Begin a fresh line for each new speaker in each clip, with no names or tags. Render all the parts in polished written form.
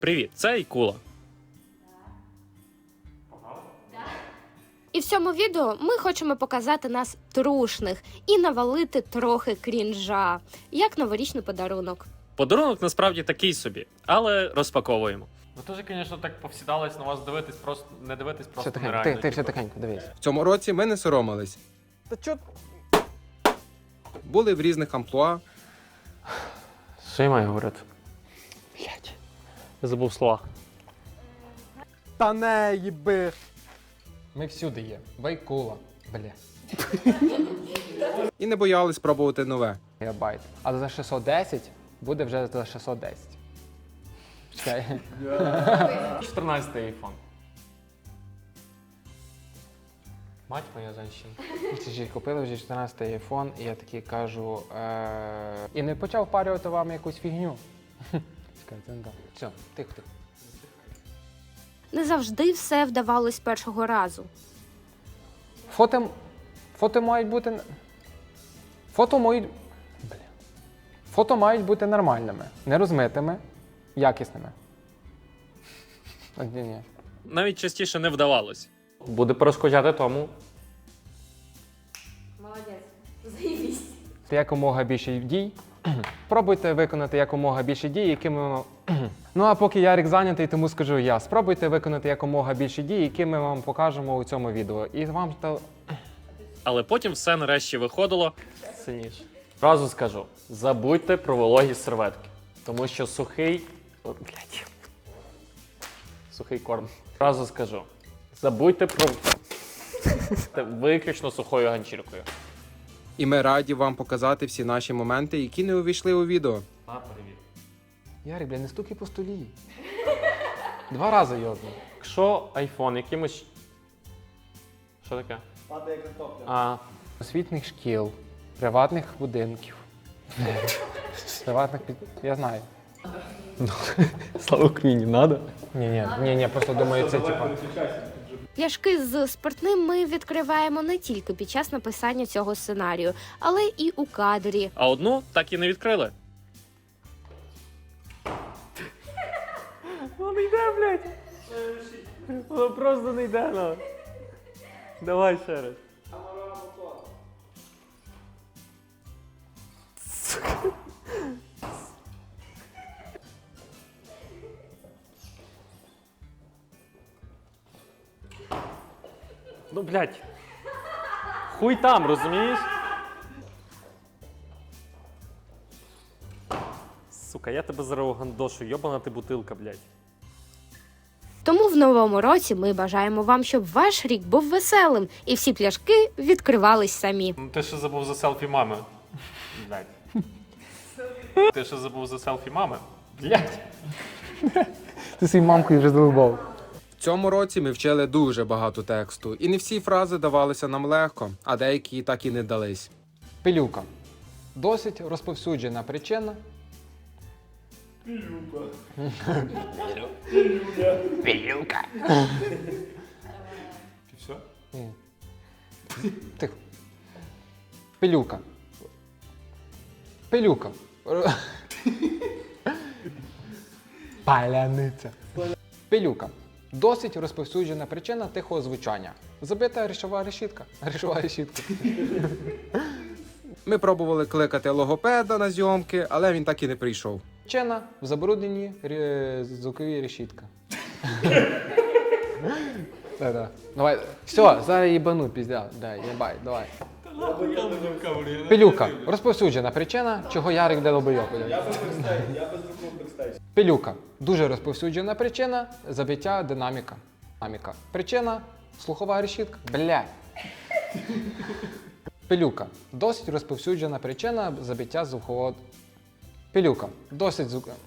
Привіт, це Айкула.
І в цьому відео ми хочемо показати нас трушних і навалити трохи крінжа, як новорічний подарунок.
Подарунок насправді такий собі, але розпаковуємо.
Ви теж, звісно, так повсідались на вас дивитись, просто не дивитись,
Все
просто
тихенько,
нереально.
ти все тихенько, дивись.
В цьому році ми не соромились.
Та чо?
Були в різних амплуа.
Що я маю говорити?
Блять.
Я забув слова.
Та не їби. Ми всюди є. Вайкула. Бля.
І не боялись пробувати нове.
Гігабайт. А за 610 буде вже за 610. Чекай.
14-й айфон. Мать моя женщина.
Це ж купили вже 14-й айфон, і я такий кажу. І не почав впарювати вам якусь фігню. Чекай, це не так. Все, тихо.
Не завжди все вдавалось з першого разу.
Фото мають бути. Фото мають бути нормальними, не розмитими, якісними. Ні.
Навіть частіше не вдавалось.
Буде перешкоджати тому.
Якомога більше дій. Спробуйте виконати якомога більше дій, якими. Ну а поки Ярик зайнятий, тому скажу я. Спробуйте виконати якомога більше дій, які ми вам покажемо у цьому відео. І вам
Але потім все нарешті виходило.
Сильніше. Зразу скажу, забудьте про вологі серветки. Тому що сухий... Блять. Сухий корм. Зразу скажу, забудьте про... Виключно сухою ганчіркою.
І ми раді вам показати всі наші моменти, які не увійшли у відео.
На, привіт.
Ярик, бля, не стукай по столі. 2 рази йодно.
Якщо айфон якимось... Що таке?
Падає картопля.
А,
Освітніх шкіл, приватних будинків. Я знаю.
слава Україні, надо?
Ні, просто думаю, це типа.
Пляшки з спиртним ми відкриваємо не тільки під час написання цього сценарію, але і у кадрі.
А одну так і не відкрили.
Воно не йде, блядь. Воно просто не йде, ну. Давай ще раз. Ну, блядь. Хуй там, розумієш? Сука, я тебе зараз гандошу, йобана ти бутилка, блядь.
Тому в новому році ми бажаємо вам, щоб ваш рік був веселим і всі пляшки відкривались самі.
Ну ти ще забув за селфі мами. Блядь. Ти ще забув за селфі мами. Блядь.
Ти своїй мамкою вже задовбав.
В цьому році ми вчили дуже багато тексту, і не всі фрази давалися нам легко, а деякі так і не дались.
Пилюка. Досить розповсюджена причина. Пилюка.
Ти все?
Ні. Тихо. Пилюка. Паляниця. Пилюка. Досить розповсюджена причина тихого звучання. Забита рішова решітка.
Ми пробували кликати логопеда на зйомки, але він так і не прийшов.
Причина в забрудненні звуковій решітка. Давай. Все, зараз їбану, піздя. Єбай, давай. Пилюка. Розповсюджена причина, чого Ярик де лобойок.
Я без звуку бекстейдж.
Пилюка. Дуже розповсюджена причина забиття динаміка. Причина слухова решітка. Бля. Пилюка. Досить розповсюджена причина забиття звукового. Пилюка. Досить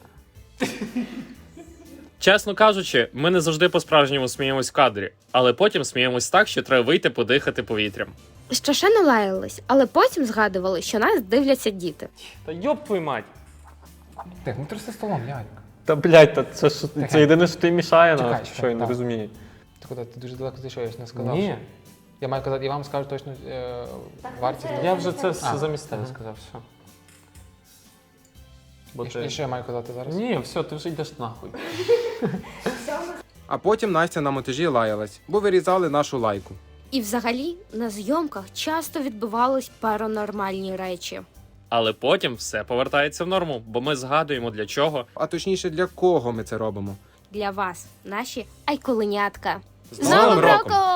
Чесно кажучи, ми не завжди по-справжньому сміємось в кадрі, але потім сміємось так, що треба вийти подихати повітрям.
Що ще не лаялись, але потім згадували, що нас дивляться діти.
Та йоб твою мать.
Тих, не тряси столом, Ярик.
Та блядь, та це єдине, що ти мішає
Чекай,
нам, що я не
так.
розумію.
Ти куди? Ти дуже далеко зайшов, я ж не сказав.
Ні.
що- Я маю казати, і вам скажу точно вартість.
Я вже це
А.
замість тебе сказав, все. Бо
І що я маю казати зараз?
Ні, все, ти вже йдеш нахуй.
А потім Настя на монтажі лаялась, бо вирізали нашу лайку.
І взагалі на зйомках часто відбувались паранормальні речі.
Але потім все повертається в норму, бо ми згадуємо для чого.
А точніше, для кого ми це робимо.
Для вас, наші айколенятка.
З Новим роком!